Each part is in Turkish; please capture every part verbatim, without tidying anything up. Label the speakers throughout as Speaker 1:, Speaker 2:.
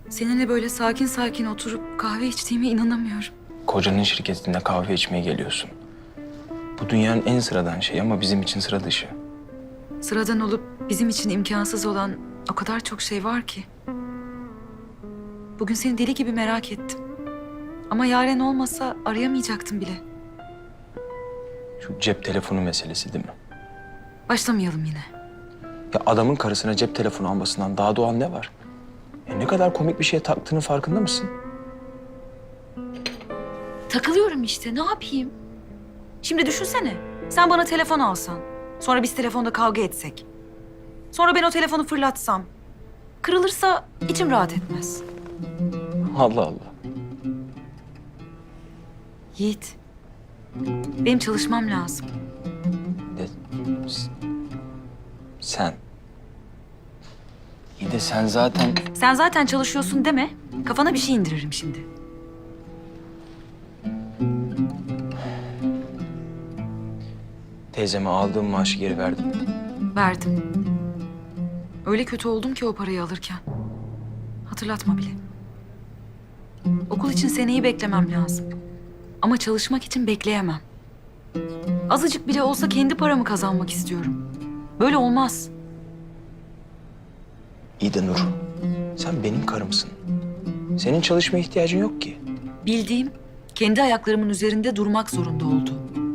Speaker 1: Seninle böyle sakin sakin oturup kahve içtiğime inanamıyorum.
Speaker 2: Kocanın şirketinde kahve içmeye geliyorsun. Bu dünyanın en sıradan şeyi ama bizim için sıra dışı.
Speaker 1: Sıradan olup bizim için imkansız olan o kadar çok şey var ki. Bugün seni deli gibi merak ettim. Ama Yaren olmasa arayamayacaktım bile.
Speaker 2: Şu cep telefonu meselesi değil mi?
Speaker 1: Başlamayalım yine.
Speaker 2: Ya adamın karısına cep telefonu almasından daha doğal ne var? Ya ne kadar komik bir şeye taktığının farkında mısın?
Speaker 1: Takılıyorum işte, ne yapayım? Şimdi düşünsene, sen bana telefon alsan. Sonra biz telefonda kavga etsek. Sonra ben o telefonu fırlatsam. Kırılırsa içim rahat etmez.
Speaker 2: Allah Allah.
Speaker 1: Yiğit, benim çalışmam lazım.
Speaker 2: De, s- sen. İyi de sen zaten...
Speaker 1: Sen zaten çalışıyorsun deme, kafana bir şey indiririm şimdi.
Speaker 2: Teyzeme aldığım maaşı geri verdim.
Speaker 1: Verdim. Öyle kötü oldum ki o parayı alırken. Hatırlatma bile. Okul için seneyi beklemem lazım. Ama çalışmak için bekleyemem. Azıcık bile olsa kendi paramı kazanmak istiyorum. Böyle olmaz.
Speaker 2: İyi de Nur, sen benim karımsın. Senin çalışmaya ihtiyacın yok ki.
Speaker 1: Bildiğim kendi ayaklarımın üzerinde durmak zorunda oldu.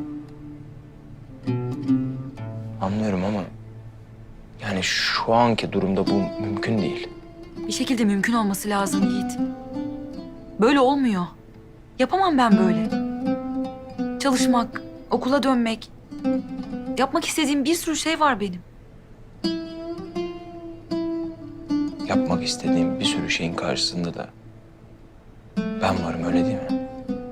Speaker 2: Anlıyorum ama... Yani şu anki durumda bu mümkün değil.
Speaker 1: Bir şekilde mümkün olması lazım Yiğit. Böyle olmuyor. Yapamam ben böyle. Çalışmak, okula dönmek. Yapmak istediğim bir sürü şey var benim.
Speaker 2: Yapmak istediğim bir sürü şeyin karşısında da... ben varım, öyle değil mi?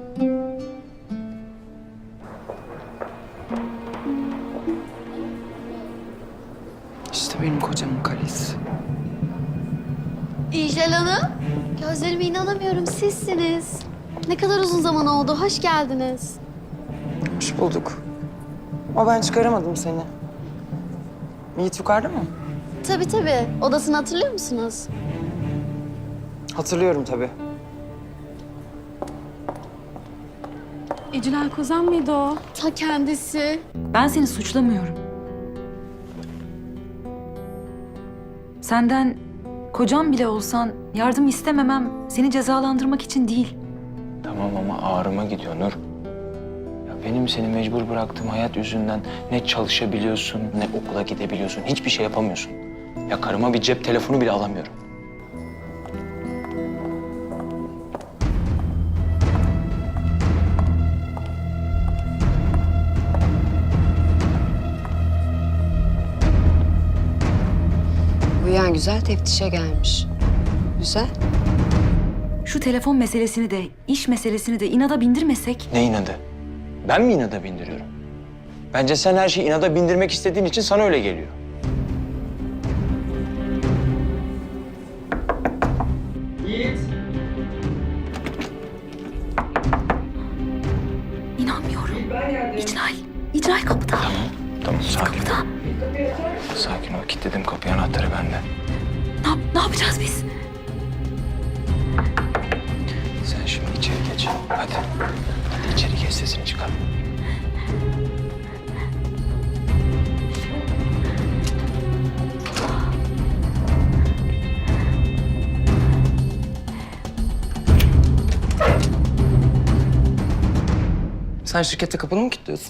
Speaker 3: İşte benim kocamın kalesi.
Speaker 4: İclal Hanım, gözlerime inanamıyorum, sizsiniz. Ne kadar uzun zaman oldu, hoş geldiniz.
Speaker 3: Hoş bulduk. Ama ben çıkaramadım seni. Yiğit yukarıda mı?
Speaker 4: Tabii tabii, odasını hatırlıyor musunuz?
Speaker 3: Hatırlıyorum tabii.
Speaker 5: İclal Kozan mıydı o?
Speaker 4: Ta kendisi.
Speaker 1: Ben seni suçlamıyorum. Senden kocam bile olsan yardım istememem seni cezalandırmak için değil.
Speaker 2: Tamam ama ağrıma gidiyor Nur. Ya benim seni mecbur bıraktığım hayat yüzünden ne çalışabiliyorsun, ne okula gidebiliyorsun, hiçbir şey yapamıyorsun. Ya karıma bir cep telefonu bile alamıyorum.
Speaker 6: Uyan güzel teftişe gelmiş. Güzel.
Speaker 1: Şu telefon meselesini de, iş meselesini de inada bindirmesek...
Speaker 2: Ne inadı? Ben mi inada bindiriyorum? Bence sen her şeyi inada bindirmek istediğin için sana öyle geliyor.
Speaker 1: İnanmıyorum. İclal, İclal kapıda.
Speaker 2: Tamam, sakin ol.
Speaker 1: Kapıda.
Speaker 2: Sakin ol, kilitledim kapıyı, anahtarı bende.
Speaker 1: Ne, yap- ne yapacağız biz?
Speaker 2: Sen şimdi içeri geç. Hadi. Hadi içeri geç, sesini çıkar.
Speaker 3: Sen şirkette kapını mı kilitliyorsun?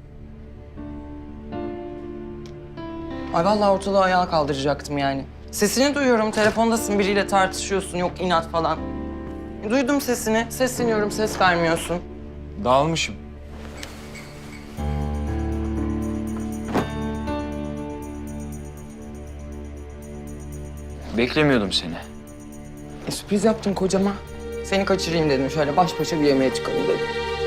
Speaker 3: Ay vallahi ortalığı ayağa kaldıracaktım yani. Sesini duyuyorum, telefondasın biriyle tartışıyorsun, yok inat falan. Duydum sesini, sesleniyorum, ses vermiyorsun.
Speaker 2: Dağılmışım. Beklemiyordum seni.
Speaker 3: E, sürpriz yaptım kocama. Seni kaçırayım dedim, şöyle baş başa bir yemeğe çıkalım dedim.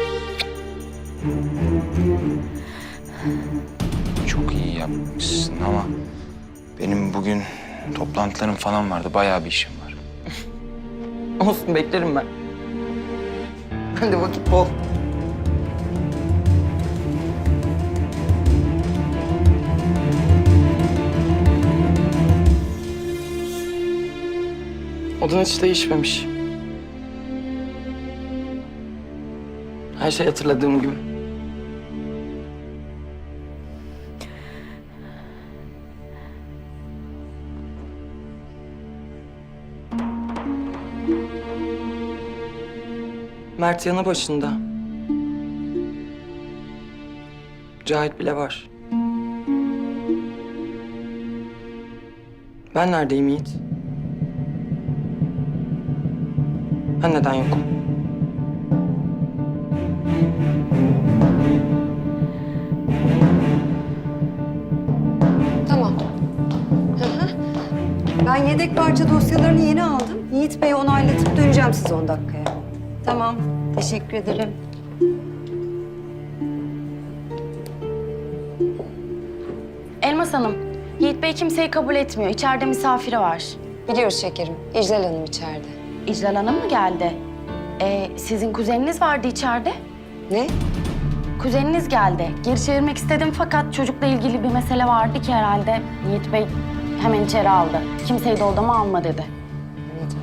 Speaker 2: Çok iyi yapmışsın ama benim bugün toplantılarım falan vardı. Bayağı bir işim var.
Speaker 3: Olsun, beklerim ben. Ben de vakit bol. Odan hiç değişmemiş. Her şey hatırladığım gibi. Mert yanı başında. Cahit bile var. Ben neredeyim Yiğit? Ben neden yokum?
Speaker 6: Tamam. Hı hı. Ben yedek parça dosyalarını yeni aldım. Yiğit Bey'e onaylatıp döneceğim size on dakikaya. Tamam. Teşekkür ederim.
Speaker 5: Elmas Hanım, Yiğit Bey kimseyi kabul etmiyor. İçeride misafiri var.
Speaker 6: Biliyoruz şekerim. İclal Hanım içeride.
Speaker 5: İclal Hanım mı geldi? Ee, sizin kuzeniniz vardı içeride.
Speaker 6: Ne?
Speaker 5: Kuzeniniz geldi. Geri çevirmek istedim fakat çocukla ilgili bir mesele vardı ki herhalde. Yiğit Bey hemen içeri aldı. Kimseyi de odama alma dedi.
Speaker 6: Anladım.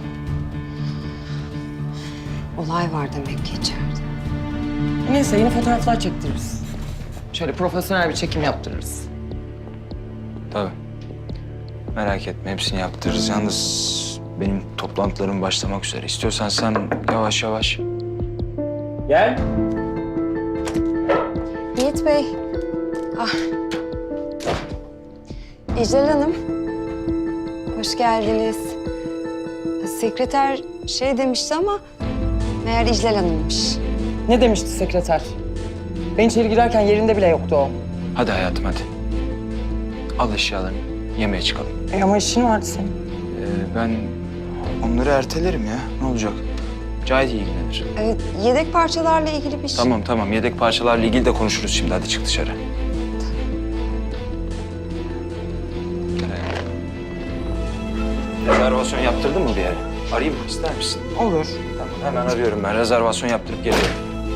Speaker 6: Olay var demek ki içeride.
Speaker 3: Neyse yeni fotoğraflar çektiririz. Şöyle profesyonel bir çekim yaptırırız.
Speaker 2: Tabii. Merak etme, hepsini yaptırırız. Yalnız benim toplantılarım başlamak üzere. İstiyorsan sen yavaş yavaş. Gel.
Speaker 6: Yiğit Bey. Ah. İclal Hanım. Hoş geldiniz. Sekreter şey demişti ama meğer İclal Hanım'mış.
Speaker 3: Ne demişti sekreter? Ben içeri girerken yerinde bile yoktu o.
Speaker 2: Hadi hayatım hadi. Al eşyalarını. Yemeğe çıkalım.
Speaker 3: E ama işin vardı senin.
Speaker 2: Ee, ben onları ertelerim ya. Ne olacak? Cahit ilgilenir.
Speaker 6: Evet, yedek parçalarla ilgili bir şey.
Speaker 2: Tamam tamam. Yedek parçalarla ilgili de konuşuruz şimdi. Hadi çık dışarı. Gel hayatım. Rezervasyon yaptırdın mı bir yere? Arayayım mı? İster misin?
Speaker 3: Olur.
Speaker 2: Tamam hemen arıyorum ben. Rezervasyon yaptırıp geliyorum.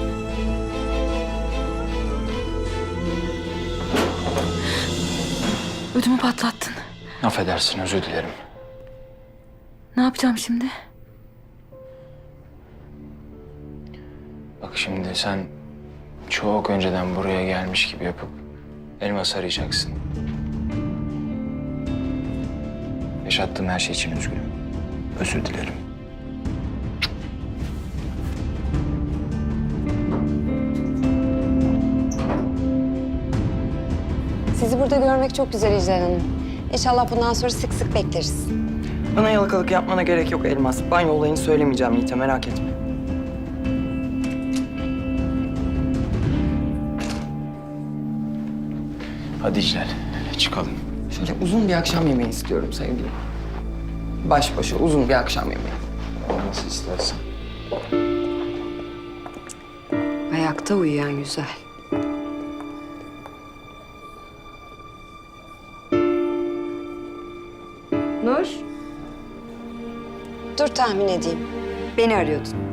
Speaker 1: Ödümü patlattın.
Speaker 2: Affedersin, özür dilerim.
Speaker 1: Ne yapacağım şimdi?
Speaker 2: Bak şimdi sen çok önceden buraya gelmiş gibi yapıp Elmas'ı arayacaksın. Yaşattığım her şey için üzgünüm. Özür dilerim.
Speaker 6: Sizi burada görmek çok güzel İclal Hanım. İnşallah bundan sonra sık sık bekleriz.
Speaker 3: Bana yalakalık yapmana gerek yok Elmas. Banyo olayını söylemeyeceğim Yiğit'e, merak etme.
Speaker 2: Hadi İclal, çıkalım.
Speaker 3: Şöyle uzun bir akşam yemeği istiyorum sevgilim. Baş başa uzun bir akşam yemeği.
Speaker 2: Nasıl istersen.
Speaker 6: Ayakta uyuyan güzel. Nur. Dur tahmin edeyim. Beni arıyordun.